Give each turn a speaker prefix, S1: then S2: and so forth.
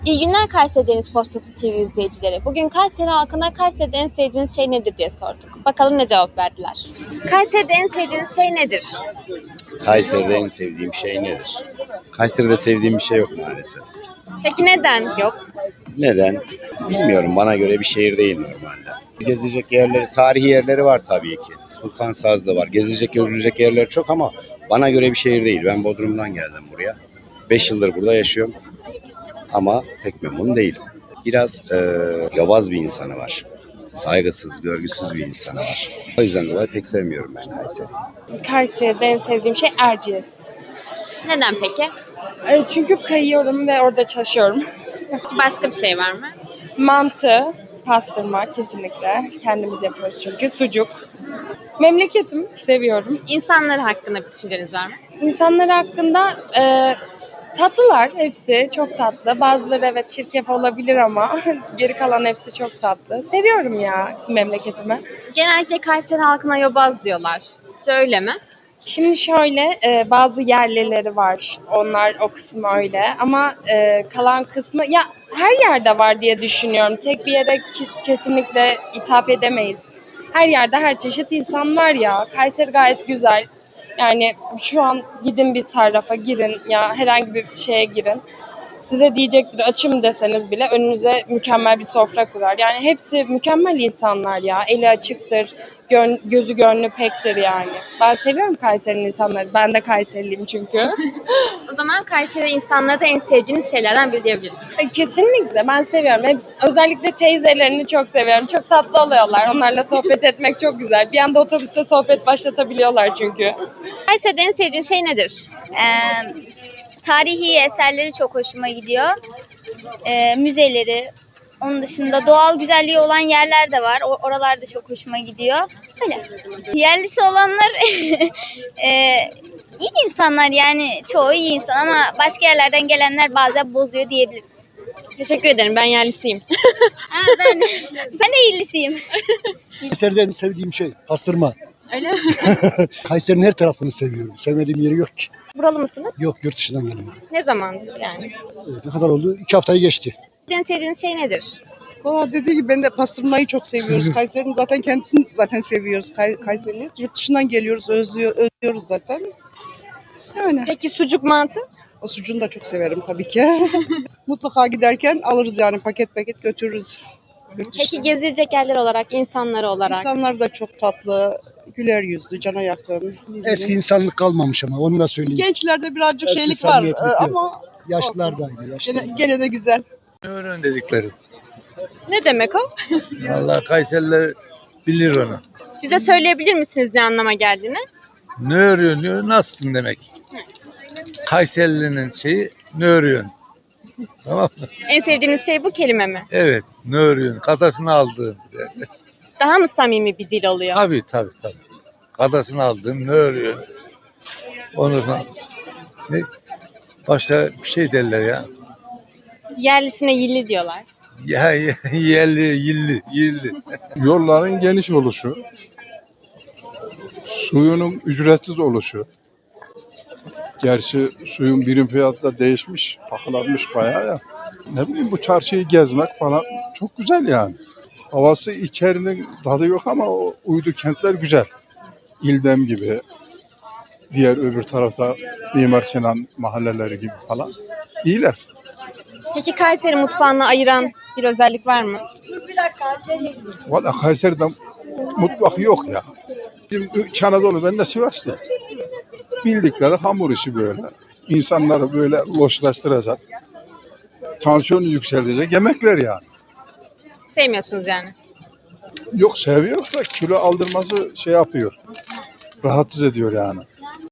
S1: İyi günler Kayseri Deniz Postası TV izleyicileri. Bugün Kayseri halkına Kayseri'de en sevdiğiniz şey nedir diye sorduk. Bakalım ne cevap verdiler. Kayseri'de en sevdiğiniz şey nedir?
S2: Kayseri'de en sevdiğim şey nedir? Kayseri'de sevdiğim bir şey yok maalesef.
S1: Peki neden yok?
S2: Neden? Bilmiyorum. Bana göre bir şehir değil normalde. Gezecek yerleri, tarihi yerleri var tabii ki. Sultansazlı var. Gezecek, görülecek yerler çok ama bana göre bir şehir değil. Ben Bodrum'dan geldim buraya. 5 yıldır burada yaşıyorum. Ama pek memnun değilim. Biraz yobaz bir insanı var. Saygısız, görgüsüz bir insanı var. O yüzden dolayı pek sevmiyorum ben Kayseri'yi.
S3: Kayseri'de en sevdiğim şey Erciyes.
S1: Neden peki?
S3: Çünkü kayıyorum ve orada çalışıyorum.
S1: Başka bir şey var mı?
S3: Mantı, pastırma kesinlikle. Kendimiz yapıyoruz çünkü. Sucuk. Memleketim, seviyorum.
S1: İnsanlar hakkında bir düşünceniz var mı?
S3: İnsanlar hakkında tatlılar hepsi. Çok tatlı. Bazıları evet çirkef olabilir ama geri kalan hepsi çok tatlı. Seviyorum ya memleketimi.
S1: Genellikle Kayseri halkına yobaz diyorlar. Sizce öyle mi?
S3: Şimdi şöyle bazı yerlileri var. Onlar o kısmı öyle. Ama kalan kısmı ya her yerde var diye düşünüyorum. Tek bir yere kesinlikle hitap edemeyiz. Her yerde her çeşit insan var ya. Kayseri gayet güzel. Yani şu an gidin bir sarrafa girin ya herhangi bir şeye girin. Size diyecektir açım deseniz bile önünüze mükemmel bir sofra kurar. Yani hepsi mükemmel insanlar ya. Eli açıktır, gözü gönlü pektir yani. Ben seviyorum Kayseri'nin insanları. Ben de Kayseriliyim çünkü.
S1: O zaman Kayseri insanları da en sevdiğiniz şeylerden biri diyebiliriz.
S3: Kesinlikle ben seviyorum. Özellikle teyzelerini çok seviyorum. Çok tatlı oluyorlar. Onlarla sohbet etmek çok güzel. Bir anda otobüste sohbet başlatabiliyorlar çünkü.
S1: Kayseri'de en sevdiğin şey nedir?
S4: Tarihi eserleri çok hoşuma gidiyor. Müzeleri, onun dışında doğal güzelliği olan yerler de var. Oralar da çok hoşuma gidiyor. Öyle. Yerlisi olanlar iyi insanlar yani çoğu iyi insan ama başka yerlerden gelenler bazen bozuyor diyebiliriz.
S1: Teşekkür ederim. Ben yerlisiyim.
S4: Ben de iyisiyim.
S5: Kayseri'de en sevdiğim şey pastırma.
S1: Öyle mi?
S5: Kayseri'nin her tarafını seviyorum. Sevmediğim yeri yok ki.
S1: Buralı mısınız?
S5: Yok, yurt dışından geliyorum.
S1: Ne zamandır yani?
S5: Ne kadar oldu? 2 haftayı geçti.
S1: En sevdiğiniz şey nedir?
S6: Valla dediği gibi ben de pastırmayı çok seviyoruz. Kayseri'nin zaten kendisini zaten seviyoruz. Kayseri'liyiz. Yurt dışından geliyoruz, özlüyoruz zaten. Yani
S1: Peki sucuk mantı?
S6: o sucuğunu da çok severim tabii ki. Mutlaka giderken alırız yani paket paket götürürüz. Yurt dışına.
S1: Peki gezilecek yerler olarak, insanları olarak?
S6: İnsanlar da çok tatlı, güler yüzlü, cana yakın.
S5: Eski insanlık kalmamış ama onu da söyleyeyim.
S6: Gençlerde birazcık
S5: Eski
S6: şeylik var
S5: samimiyetlik yok.
S6: ama
S5: Yaşlılar da aynı. Yaşlılar.
S6: gene de güzel.
S7: Öğren dedikleri.
S1: Ne demek o?
S7: Vallahi Kayseriler bilir onu.
S1: Bize söyleyebilir misiniz ne anlama geldiğini?
S7: Ne örüyorsun diyor, nasılsın demek. Kayserili'nin şeyi ne örüyorsun? Tamam mı?
S1: En sevdiğiniz şey bu kelime mi?
S7: Evet, ne örüyorsun? Kadasını aldığın.
S1: Daha mı samimi bir dil oluyor?
S7: Tabii. Kadasını aldığın ne örüyorsun? Onu sonra ne? Başka bir şey derler ya.
S1: Yerlisine yilli diyorlar.
S7: Ya yerli, yilli.
S8: Yolların geniş oluşu, suyunun ücretsiz oluşu. Gerçi suyun birim fiyatı da değişmiş, pahalanmış bayağı ya. Ne bileyim bu çarşıyı gezmek falan çok güzel yani. Havası içerinin tadı yok ama o uydu kentler güzel. İldem gibi, diğer öbür tarafta Mimar Sinan mahalleleri gibi falan. İyiler.
S1: Peki Kayseri mutfağını ayıran bir özellik var mı?
S8: Valla Kayseri'de mutfak yok ya. Bizim İç Anadolu, ben de Sivas'ta. Bildikleri hamur işi böyle. İnsanları böyle loşlaştıracak. Tansiyonu yükseltecek yemekler yani.
S1: Sevmiyorsunuz yani.
S8: Yok seviyor da kilo aldırması şey yapıyor. Rahatsız ediyor yani.